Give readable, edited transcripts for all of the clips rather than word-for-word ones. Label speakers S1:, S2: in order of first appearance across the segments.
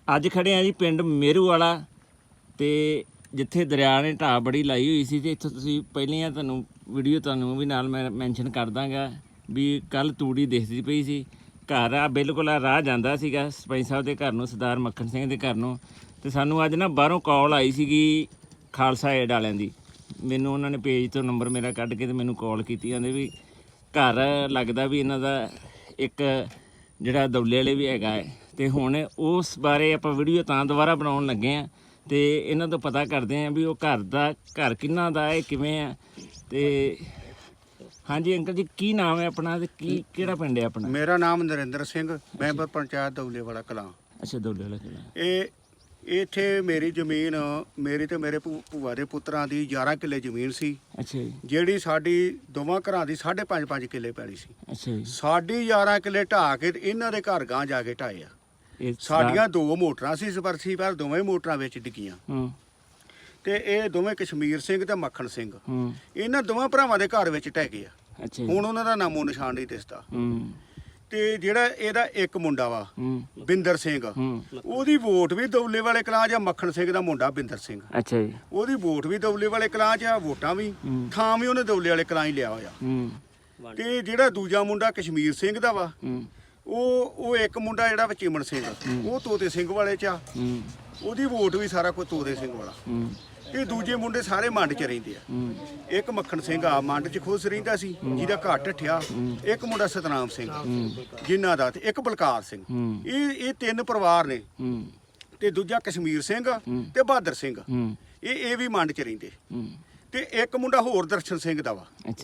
S1: ਅੱਜ ਖੜੇ ਆ ਜੀ ਪਿੰਡ ਮੇਰੂ ਵਾਲਾ ਤੇ ਜਿੱਥੇ ਦਰਿਆ ਨੇ ਢਾਹ ਬੜੀ ਲਾਈ ਹੋਈ ਸੀ ਤੇ ਇੱਥੋਂ ਤੁਸੀਂ ਪਹਿਲੀਆਂ ਤੁਹਾਨੂੰ ਵੀਡੀਓ ਤੁਹਾਨੂੰ ਵੀ ਨਾਲ ਮੈਂ ਮੈਂਸ਼ਨ ਕਰ ਦਾਂਗਾ ਵੀ ਕੱਲ ਤੂੜੀ ਦਿਖਦੀ ਪਈ ਸੀ। ਘਰ ਆ ਬਿਲਕੁਲ ਆ ਰਾਹ ਜਾਂਦਾ ਸੀਗਾ ਸਰਪੰਚ ਸਾਹਿਬ ਦੇ ਘਰ ਨੂੰ, ਸਰਦਾਰ ਮੱਖਣ ਸਿੰਘ ਦੇ ਘਰ ਨੂੰ। ਤੇ ਸਾਨੂੰ ਅੱਜ ਨਾ ਬਾਹਰੋਂ ਕਾਲ ਆਈ ਸੀਗੀ ਖਾਲਸਾ ਏਡ ਵਾਲਿਆਂ ਦੀ। ਮੈਨੂੰ ਉਹਨਾਂ ਨੇ ਪੇਜ ਤੋਂ ਨੰਬਰ ਮੇਰਾ ਕੱਢ ਕੇ ਤੇ ਮੈਨੂੰ ਕਾਲ ਕੀਤੀ, ਕਹਿੰਦੇ ਵੀ ਘਰ ਲੱਗਦਾ ਵੀ ਇਹਨਾਂ ਦਾ ਇੱਕ ਜਿਹੜਾ ਦੌਲੇ ਵਾਲੇ ਵੀ ਹੈਗਾ ਹੈ। ਤੇ ਹੁਣ ਉਸ ਬਾਰੇ ਆਪਾਂ ਵੀਡੀਓ ਤਾਂ ਦੁਬਾਰਾ ਬਣਾਉਣ ਲੱਗੇ ਹਾਂ ਤੇ ਇਹਨਾਂ ਤੋਂ ਪਤਾ ਕਰਦੇ ਹਾਂ ਵੀ ਉਹ ਘਰ ਕਿਹਨਾਂ ਦਾ ਹੈ, ਕਿਵੇਂ ਆ। ਤੇ ਹਾਂਜੀ ਅੰਕਲ ਜੀ, ਕੀ ਨਾਮ ਹੈ ਆਪਣਾ ਤੇ ਕਿਹੜਾ ਪਿੰਡ ਹੈ ਆਪਣਾ?
S2: ਮੇਰਾ ਨਾਮ ਨਰਿੰਦਰ ਸਿੰਘ, ਮੈਂਬਰ ਪੰਚਾਇਤ ਦੌਲੇ ਵਾਲਾ ਕਲਾਂ।
S1: ਅੱਛਾ, ਦੌਲੇ ਵਾਲਾ ਕਲਾਂ।
S2: ਇਹ ਇੱਥੇ ਮੇਰੀ ਜ਼ਮੀਨ, ਮੇਰੀ ਤੇ ਮੇਰੇ ਭੂਆ ਦੇ ਪੁੱਤਰਾਂ ਦੀ 11 ਕਿੱਲੇ ਜ਼ਮੀਨ ਸੀ।
S1: ਅੱਛਾ ਜੀ।
S2: ਜਿਹੜੀ ਸਾਡੀ ਦੋਵਾਂ ਘਰਾਂ ਦੀ 5.5 ਕਿੱਲੇ ਪੈਲੀ ਸੀ।
S1: ਅੱਛਾ ਜੀ।
S2: ਸਾਡੀ 11 ਕਿੱਲੇ ਢਾਹ ਕੇ ਤੇ ਇਹਨਾਂ ਦੇ ਘਰ ਗਾਂ ਜਾ ਕੇ ਢਾਏ ਆ। ਸਾਡੀਆਂ 2 ਮੋਟਰਾਂ ਸੀ ਸਪਰਸੀ, ਪਰ ਦੋਵੇਂ ਮੋਟਰਾਂ ਵਿੱਚ ਡਿੱਗੀਆਂ। ਤੇ ਇਹ ਦੋਵੇਂ ਕਸ਼ਮੀਰ ਸਿੰਘ ਤੇ ਮੱਖਣ ਸਿੰਘ, ਇਹਨਾਂ ਦੋਵਾਂ ਭਰਾਵਾਂ ਦੇ ਘਰ ਵਿੱਚ ਢਹਿ ਗਏ ਆ। ਹੁਣ ਉਹਨਾਂ ਦਾ ਨਾਮੋ ਨਿਸ਼ਾਨ ਨਹੀਂ ਦਿਸਦਾ। ਤੇ ਜਿਹੜਾ ਇਹਦਾ ਇੱਕ ਮੁੰਡਾ ਵਾ ਬਿੰਦਰ ਸਿੰਘ, ਉਹਦੀ ਵੋਟ ਵੀ ਦੌਲੇ ਵਾਲੇ ਕਲਾਂ 'ਚ ਆ। ਮੱਖਣ ਸਿੰਘ ਦਾ ਮੁੰਡਾ ਬਿੰਦਰ ਸਿੰਘ, ਅੱਛਾ ਜੀ, ਉਹਦੀ ਵੋਟ ਵੀ ਦੌਲੇ ਵਾਲੇ ਕਲਾਂ 'ਚ ਆ, ਵੋਟਾਂ ਵੀ, ਥਾਂ ਵੀ ਉਹਨੇ ਦੌਲੇ ਵਾਲੇ ਕਲਾਂ ਹੀ ਲਿਆ ਹੋਇਆ। ਤੇ ਜਿਹੜਾ ਦੂਜਾ ਮੁੰਡਾ ਕਸ਼ਮੀਰ ਸਿੰਘ ਦਾ ਵਾ, ਉਹ ਇੱਕ ਮੁੰਡਾ ਜਿਹੜਾ ਵਾ ਚਿਮਨ ਸਿੰਘ, ਉਹ ਤੋਤੇ ਸਿੰਘ ਵਾਲੇ 'ਚ ਆ, ਉਹਦੀ ਵੋਟ ਵੀ ਸਾਰਾ ਕੁਝ ਤੋਤੇ ਸਿੰਘ ਵਾਲਾ। ਤੇ ਦੂਜੇ ਮੁੰਡੇ ਸਾਰੇ ਮੰਡ 'ਚ ਰਹਿੰਦੇ ਆ। ਇੱਕ ਮੱਖਣ ਸਿੰਘ ਆ ਮੰਡ 'ਚ ਖੁਸ਼ ਰਹਿੰਦਾ ਸੀ, ਜਿਹਦਾ ਘਰ ਢੱਠਿਆ। ਇੱਕ ਮੁੰਡਾ ਸਤਨਾਮ ਸਿੰਘ ਜਿਨ੍ਹਾਂ ਦਾ, ਤੇ ਇੱਕ ਬਲਕਾਰ ਸਿੰਘ। ਇਹ 3 ਪਰਿਵਾਰ ਨੇ। ਤੇ ਦੂਜਾ ਕਸ਼ਮੀਰ ਸਿੰਘ ਤੇ ਬਹਾਦਰ ਸਿੰਘ, ਇਹ ਵੀ ਮੰਡ 'ਚ ਰਹਿੰਦੇ। ਤੇ ਇੱਕ ਮੁੰਡਾ ਹੋਰ ਦਰਸ਼ਨ ਸਿੰਘ ਦਾ ਵਾ।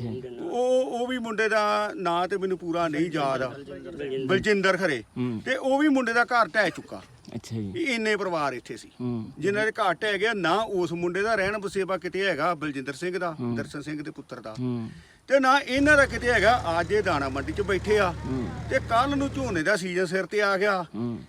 S2: ਉਹ ਵੀ ਮੁੰਡੇ ਦਾ ਨਾਂ ਤੇ ਮੈਨੂੰ ਪੂਰਾ ਨਹੀਂ ਯਾਦ ਆ, ਬਲਜਿੰਦਰ ਖਰੇ। ਤੇ ਉਹ ਵੀ ਮੁੰਡੇ ਦਾ ਘਰ ਢਹਿ ਚੁੱਕਾ। ਅੱਛਾ ਜੀ। ਇੰਨੇ ਪਰਿਵਾਰ ਇੱਥੇ ਸੀ ਜਿਨ੍ਹਾਂ ਦੇ ਘਰ ਢਹਿ ਗਿਆ। ਨਾ ਉਸ ਮੁੰਡੇ ਦਾ ਰਹਿਣ ਬਸੇਬਾ ਕਿਤੇ ਹੈਗਾ, ਬਲਜਿੰਦਰ ਸਿੰਘ ਦਾ, ਦਰਸ਼ਨ ਸਿੰਘ ਦੇ ਪੁੱਤਰ ਦਾ, ਤੇ ਨਾ ਇਹਨਾਂ ਦਾ ਕਿਤੇ ਹੈਗਾ। ਅੱਜ ਇਹ ਦਾਣਾ ਮੰਡੀ 'ਚ ਬੈਠੇ ਆ ਤੇ ਕੱਲ ਨੂੰ ਝੋਨੇ ਦਾ ਸੀਜ਼ਨ ਸਿਰ ਤੇ ਆ ਗਿਆ।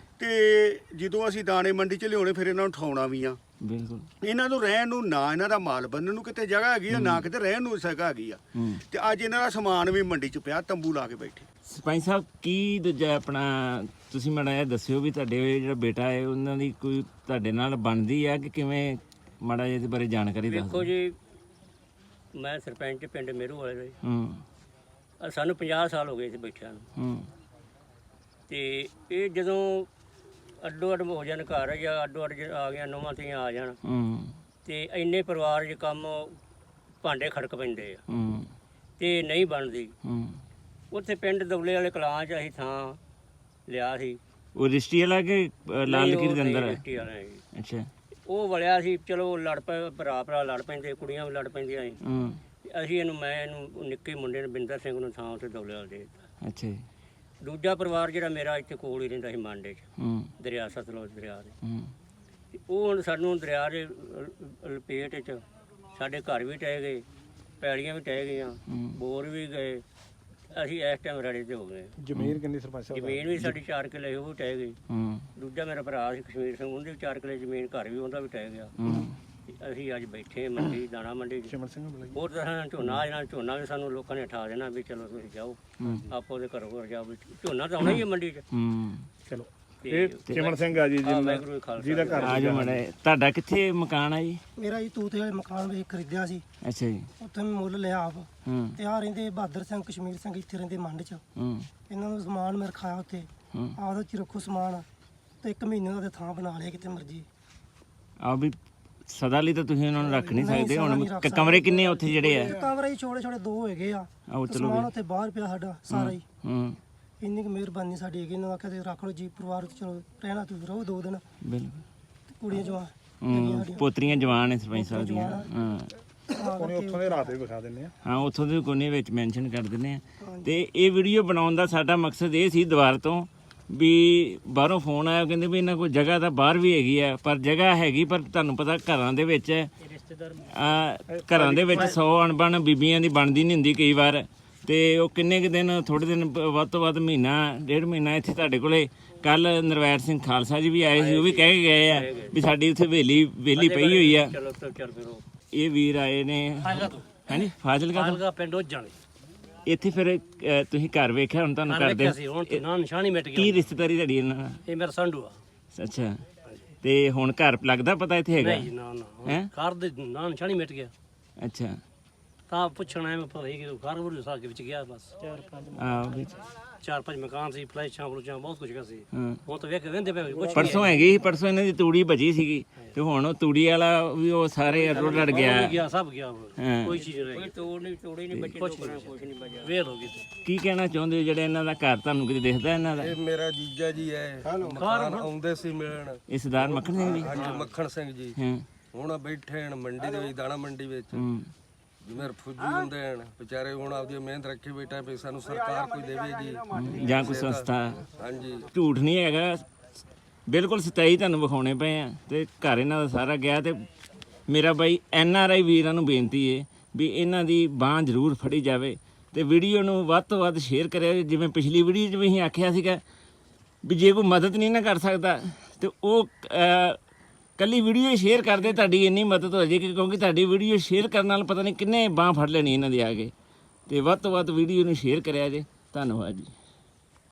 S2: ਤੇ ਜਦੋਂ ਅਸੀਂ ਦਾਣੇ ਮੰਡੀ 'ਚ ਲਿਆਉਣੇ, ਫਿਰ ਇਹਨਾਂ ਨੂੰ ਉਠਾਉਣਾ ਵੀ ਆ। ਬਿਲਕੁਲ। ਇਹਨਾਂ ਨੂੰ ਰਹਿਣ ਨੂੰ, ਨਾ ਇਹਨਾਂ ਦਾ ਮਾਲ ਬੰਨਣ ਨੂੰ ਕਿਤੇ ਜਗ੍ਹਾ ਹੈਗੀ ਆ, ਨਾ ਕਿਤੇ ਰਹਿਣ ਨੂੰ ਜਗ੍ਹਾ ਹੈਗੀ ਆ। ਤੇ ਅੱਜ ਇਹਨਾਂ ਦਾ ਸਮਾਨ ਵੀ ਮੰਡੀ 'ਚ ਪਿਆ, ਤੰਬੂ ਲਾ ਕੇ ਬੈਠੇ।
S1: ਸਰਪੰਚ ਸਾਹਿਬ, ਕੀ ਦੂਜਾ ਆਪਣਾ ਤੁਸੀਂ ਮਾੜਾ ਜਿਹਾ ਦੱਸਿਓ ਵੀ ਤੁਹਾਡੇ ਜਿਹੜਾ ਬੇਟਾ ਹੈ ਉਹਨਾਂ ਦੀ ਕੋਈ ਤੁਹਾਡੇ ਨਾਲ ਬਣਦੀ ਆ ਕਿ ਕਿਵੇਂ? ਮਾੜਾ ਜਿਹਾ ਇਹਦੇ ਬਾਰੇ ਜਾਣਕਾਰੀ ਦਿਓ।
S3: ਦੇਖੋ ਜੀ, ਮੈਂ ਸਰਪੰਚ ਪਿੰਡ ਮੇਰੂ ਵਾਲੇ ਦਾ। ਸਾਨੂੰ 50 ਸਾਲ ਹੋ ਗਏ ਸੀ ਬੈਠਿਆਂ ਨੂੰ। ਤੇ ਇਹ ਜਦੋਂ ਅੱਡੋ ਅੱਡ ਹੋ ਜਾਣ ਘਰ, ਜਾਂ ਅੱਡੋ ਅੱਡ ਆ ਗਿਆ, ਨੌਵਾਂ ਧੀਆਂ ਆ ਜਾਣ, ਤੇ ਇੰਨੇ ਪਰਿਵਾਰ 'ਚ ਕੰਮ ਭਾਂਡੇ ਖੜਕ ਪੈਂਦੇ ਆ ਤੇ ਨਹੀਂ ਬਣਦੀ। ਉੱਥੇ ਪਿੰਡ ਦੌਲੇ ਵਾਲੇ ਕਲਾਂ 'ਚ ਅਸੀਂ ਥਾਂ ਲਿਆ ਸੀ।
S1: ਉਹ ਰਿਸ਼ਤੀ ਵਾਲਾ ਕਿ ਲਾਲ ਲਕੀਰ ਦੇ ਅੰਦਰ?
S3: ਰਿਸ਼ਤੀ ਵਾਲਾ ਜੀ।
S1: ਅੱਛਾ।
S3: ਉਹ ਵਲਿਆ ਸੀ। ਚਲੋ ਲੜ ਪਏ, ਭਰਾ ਲੜ ਪੈਂਦੇ, ਕੁੜੀਆਂ ਵੀ ਲੜ ਪੈਂਦੀਆਂ ਸੀ। ਅਸੀਂ ਇਹਨੂੰ ਨਿੱਕੇ ਮੁੰਡੇ ਨੂੰ ਬਿੰਦਰ ਸਿੰਘ ਨੂੰ ਥਾਂ ਉੱਥੇ ਦੌਲੇ ਵਾਲੇ ਦੇ ਦਿੱਤਾ। ਅੱਛਾ ਜੀ। ਦੂਜਾ ਪਰਿਵਾਰ ਜਿਹੜਾ ਮੇਰਾ ਇੱਥੇ ਕੋਲ ਹੀ ਰਹਿੰਦਾ ਸੀ ਮਾਂਡੇ 'ਚ, ਦਰਿਆ ਸਤਲੁਜ ਦਰਿਆ ਦੇ। ਉਹ ਹੁਣ ਸਾਨੂੰ ਦਰਿਆ ਦੇ ਲਪੇਟ 'ਚ ਸਾਡੇ ਘਰ ਵੀ ਟਹਿ ਗਏ, ਪੈਲੀਆਂ ਵੀ ਟਹਿ ਗਈਆਂ, ਬੋਰ ਵੀ ਗਏ। ਅਸੀਂ ਇਸ ਟਾਈਮ ਰੜੇ ਤੇ ਹੋ ਗਏ।
S4: ਜ਼ਮੀਨ ਕਿੰਨੀ ਸਰਪੰਚ ਸਾਹਿਬ?
S3: ਜ਼ਮੀਨ ਵੀ ਸਾਡੀ 4 ਕਿੱਲੇ ਉਹ ਵੀ ਟਹਿ ਗਈ। ਦੂਜਾ ਮੇਰਾ ਭਰਾ ਸੀ ਕਸ਼ਮੀਰ ਸਿੰਘ, ਉਹਦੇ ਵੀ 4 ਕਿੱਲੇ ਜ਼ਮੀਨ, ਘਰ ਵੀ ਉਹਦਾ ਵੀ ਟਹਿ ਗਿਆ। ਅਸੀਂ ਅੱਜ ਬੈਠੇ ਮੰਡੀ, ਦਾਣਾ ਮੰਡੀ 'ਚ। ਹੋਰ ਤਰ੍ਹਾਂ ਝੋਨਾ ਵੀ ਸਾਨੂੰ ਲੋਕਾਂ ਨੇ ਉਠਾ ਦੇਣਾ ਵੀ ਚਲੋ ਤੁਸੀਂ ਜਾਓ, ਆਪੋ ਦੇ ਘਰੋਂ ਜਾਓ, ਵੀ ਝੋਨਾ ਤਾਂ ਆਉਣਾ ਹੀ ਹੈ ਮੰਡੀ 'ਚ। ਚਲੋ। ਇਹ
S4: ਚਿਮਨ ਸਿੰਘ ਆ ਜੀ, ਜਿਹਦਾ ਘਰ
S1: ਆ ਜਾਓ ਮਾੜਾ। ਤੁਹਾਡਾ ਕਿੱਥੇ ਮਕਾਨ ਆ ਜੀ?
S5: ਮੇਰਾ ਜੀ ਤੂਤੇ ਵਾਲੇ ਮਕਾਨ ਵੇਖ ਖਰੀਦਿਆ ਸੀ।
S1: ਅੱਛਾ ਜੀ।
S5: ਉੱਥੇ ਮੈਂ ਮੁੱਲ ਲਿਆ ਆਪ। ਤੇ ਆ ਰਹਿੰਦੇ ਬਹਾਦਰ ਸਿੰਘ, ਕਸ਼ਮੀਰ ਸਿੰਘ ਇੱਥੇ ਰਹਿੰਦੇ ਮੰਡ 'ਚ। ਇਹਨਾਂ ਨੂੰ ਸਮਾਨ ਮੈਂ ਰਖਾਇਆ ਉੱਥੇ, ਆਪਦਾ 'ਚ ਰੱਖੋ ਸਮਾਨ। ਤੇ 1 ਮਹੀਨੇ ਦਾ ਥਾਂ ਬਣਾ ਲਿਆ ਕਿਤੇ ਮਰਜੀ।
S1: ਆ ਵੀ ਸਦਾ ਲਈ ਤਾਂ ਤੁਸੀਂ ਉਹਨਾਂ ਨੂੰ ਰੱਖ ਨਹੀਂ ਸਕਦੇ। ਹੁਣ ਕਮਰੇ ਕਿੰਨੇ ਉੱਥੇ ਜਿਹੜੇ ਆ?
S5: ਕਮਰੇ ਹੀ ਛੋਟੇ ਛੋਟੇ 2 ਹੈਗੇ ਆ। ਸਮਾਨ ਉੱਥੇ ਬਾਹਰ ਪਿਆ ਸਾਡਾ ਸਾਰਾ ਹੀ। ਇੰਨੀ ਕੁ ਮਿਹਰਬਾਨੀ ਸਾਡੀ ਹੈਗੀ। ਇਹਨਾਂ ਆਖਿਆ ਤੇ ਰੱਖ ਲਓ ਜੀ ਪਰਿਵਾਰ, ਚਲੋ ਰਹਿਣਾ ਤੁਸੀਂ ਰਹੋ 2 ਦਿਨ। ਬਿਲਕੁਲ। ਕੁੜੀਆਂ ਜਵਾਨ,
S1: ਪੋਤਰੀਆਂ ਜਵਾਨ ਨੇ ਸਰਪੰਚ ਸਾਹਿਬ ਦੀਆਂ।
S4: ਉੱਥੋਂ ਦੇ ਰਾਤ ਵੀ ਵਿਖਾ ਦਿੰਦੇ ਆ।
S1: ਹਾਂ, ਉੱਥੋਂ ਦੇ ਕੋਨੇ ਵਿੱਚ ਮੈਂਸ਼ਨ ਕਰ ਦਿੰਦੇ ਆ। ਤੇ ਇਹ ਵੀਡੀਓ ਬਣਾਉਣ ਦਾ ਸਾਡਾ ਮਕਸਦ ਇਹ ਸੀ ਦੁਬਾਰਾ ਤੋਂ ਵੀ ਬਾਹਰੋਂ ਫੋਨ ਆਇਆ, ਕਹਿੰਦੇ ਵੀ ਇਹਨਾਂ ਕੋਲ ਜਗ੍ਹਾ ਤਾਂ ਬਾਹਰ ਵੀ ਹੈਗੀ ਆ, ਪਰ ਜਗ੍ਹਾ ਹੈਗੀ, ਪਰ ਤੁਹਾਨੂੰ ਪਤਾ ਘਰਾਂ ਦੇ ਵਿੱਚ 100 ਅਣਬਣ ਬੀਬੀਆਂ ਦੀ ਬਣਦੀ ਨਹੀਂ ਹੁੰਦੀ ਕਈ ਵਾਰ। ਤੇ ਉਹ ਕਿੰਨੇ ਕੁ ਦਿਨ, ਥੋੜ੍ਹੇ ਦਿਨ, ਵੱਧ ਤੋਂ ਵੱਧ ਮਹੀਨਾ 1.5 ਮਹੀਨਾ ਇੱਥੇ ਤੁਹਾਡੇ ਕੋਲੇ। ਕੱਲ ਨਰਵੈਰ ਸਿੰਘ ਖਾਲਸਾ ਜੀ ਵੀ ਆਏ ਸੀ, ਉਹ ਵੀ ਕਹਿ ਕੇ ਗਏ ਆ ਵੀ ਸਾਡੀ ਉੱਥੇ ਵੇਲੀ ਪਈ ਹੋਈ ਆ। ਇਹ ਵੀਰ ਆਏ ਨੇ ਹਾਂਜੀ ਫਾਜ਼ਿਲਕਾ
S3: ਪਿੰਡ ਉੱਜਣ।
S1: ਇੱਥੇ ਫਿਰ ਤੁਸੀਂ ਘਰ ਵੇਖਿਆ ਹੁਣ ਤੁਹਾਨੂੰ ਕਰਦੇ ਕੀ ਰਿਸ਼ਤੇਦਾਰੀ ਤੁਹਾਡੀ ਇਹਨਾਂ ਨਾਲ?
S3: ਇਹ ਮੇਰਾ ਸੰਧੂ ਆ।
S1: ਅੱਛਾ। ਤੇ ਹੁਣ ਘਰ ਲੱਗਦਾ ਪਤਾ ਇੱਥੇ ਹੈਗਾ
S6: ਨਹੀਂ ਨਾ
S1: ਹੈਂ?
S6: ਘਰ ਦੇ ਨਾਂ ਨਿਸ਼ਾਨੀ ਮਿਟ ਗਿਆ
S1: ਅੱਛਾ
S6: ਤਾਂ ਪੁੱਛਣਾ ਐ ਮੈਂ ਪਤਾ ਹੀ ਕਿ ਘਰ ਬੁਰ ਸਾਲ ਕੇ ਵਿੱਚ ਗਿਆ ਬਸ
S1: ਆਹ ਵਿੱਚ
S6: 4-5 ਮਕਾਨ ਸੀ ਫਲੈਸ਼ਾਂ ਫਲੂਸ਼ਾਂ ਬਹੁਤ ਕੁਝ ਸੀ
S1: ਹਾਂ
S6: ਹੁਣ ਤਾਂ ਵੇਖ ਵੰਦੇ ਪਏ ਕੁਝ
S1: ਪਰਸੋਂ ਹੈਗੀ ਸੀ, ਪਰਸੋਂ ਇਹਨਾਂ ਦੀ ਤੂੜੀ ਬਚੀ ਸੀਗੀ ਤੇ ਹੁਣ ਉਹ ਤੂੜੀ ਵਾਲਾ ਵੀ ਉਹ ਸਾਰੇ ਰੁੜ ਗਿਆ
S6: ਗਿਆ ਸਭ ਗਿਆ
S1: ਹਾਂ।
S6: ਕੋਈ ਚੀਜ਼ ਨਹੀਂ
S3: ਕੋਈ ਤੋੜੀ ਨਹੀਂ ਬੱਚੇ ਕੁਛ ਨਹੀਂ ਬਚਿਆ
S6: ਵੇਲ ਹੋ ਗਈ ਤੇ
S1: ਕੀ ਕਹਿਣਾ ਚਾਹੁੰਦੇ ਹੋ ਜਿਹੜੇ ਇਹਨਾਂ ਦਾ ਘਰ ਤੁਹਾਨੂੰ ਕਿਤੇ ਦਿਖਦਾ ਇਹਨਾਂ ਦਾ
S7: ਇਹ ਮੇਰਾ ਜੀਜਾ ਜੀ ਹੈ ਮਕਾਨ ਆਉਂਦੇ ਸੀ ਮਿਲਣ
S1: ਇਹ ਸਰਦਾਰ ਮੱਖਣ ਸਿੰਘ ਜੀ
S7: ਹਾਂਜੀ ਮੱਖਣ ਸਿੰਘ ਜੀ
S1: ਹਾਂ
S7: ਹੁਣ ਬੈਠੇ ਹਨ ਮੰਡੀ ਦੇ ਵਿੱਚ ਦਾਣਾ ਮੰਡੀ ਵਿੱਚ
S1: ਹੂੰ
S7: ਜਿਵੇਂ ਫੁੱਜੀ ਹੁੰਦੇ ਹਨ ਵਿਚਾਰੇ ਹੁਣ ਆਪਦੀ ਮਿਹਨਤ ਰੱਖੀ ਬੈਠਾ ਵੀ ਸਾਨੂੰ ਸਰਕਾਰ ਕੋਈ ਦੇਵੇਗੀ
S1: ਜਾਂ ਕੋਈ ਸੰਸਥਾ
S7: ਹਾਂਜੀ
S1: ਝੂਠ ਨਹੀਂ ਹੈਗਾ, ਬਿਲਕੁਲ ਸੱਚਾਈ ਤੁਹਾਨੂੰ ਵਿਖਾਉਣੇ ਪਏ ਆ ਤੇ ਘਰ ਇਹਨਾਂ ਦਾ ਸਾਰਾ ਗਿਆ। ਤੇ ਮੇਰਾ ਬਾਈ NRI ਵੀਰਾਂ ਨੂੰ ਬੇਨਤੀ ਹੈ ਵੀ ਇਹਨਾਂ ਦੀ ਬਾਂਹ ਜ਼ਰੂਰ ਫੜੀ ਜਾਵੇ ਤੇ ਵੀਡੀਓ ਨੂੰ ਵੱਧ ਤੋਂ ਵੱਧ ਸ਼ੇਅਰ ਕਰਿਓ। ਜਿਵੇਂ ਪਿਛਲੀ ਵੀਡੀਓ 'ਚ ਵੀ ਅਸੀਂ ਆਖਿਆ ਸੀਗਾ ਵੀ ਜੇ ਕੋਈ ਮਦਦ ਨਹੀਂ ਨਾ ਕਰ ਸਕਦਾ ਤੇ ਉਹ ਕੱਲੀ ਵੀਡੀਓ ਸ਼ੇਅਰ ਕਰਦੇ ਤੁਹਾਡੀ ਇੰਨੀ ਮਦਦ ਹੋ ਜਾਏਗੀ, ਕਿਉਂਕਿ ਤੁਹਾਡੀ ਵੀਡੀਓ ਸ਼ੇਅਰ ਕਰਨ ਨਾਲ ਪਤਾ ਨਹੀਂ ਕਿੰਨੇ ਬਾਂਹ ਫੜ ਲੈਣੀ ਇਹਨਾਂ ਦੀ ਆ ਕੇ। ਤੇ ਵੱਧ ਤੋਂ ਵੱਧ ਵੀਡੀਓ ਨੂੰ ਸ਼ੇਅਰ ਕਰਿਆ ਜੇ। ਧੰਨਵਾਦ ਜੀ।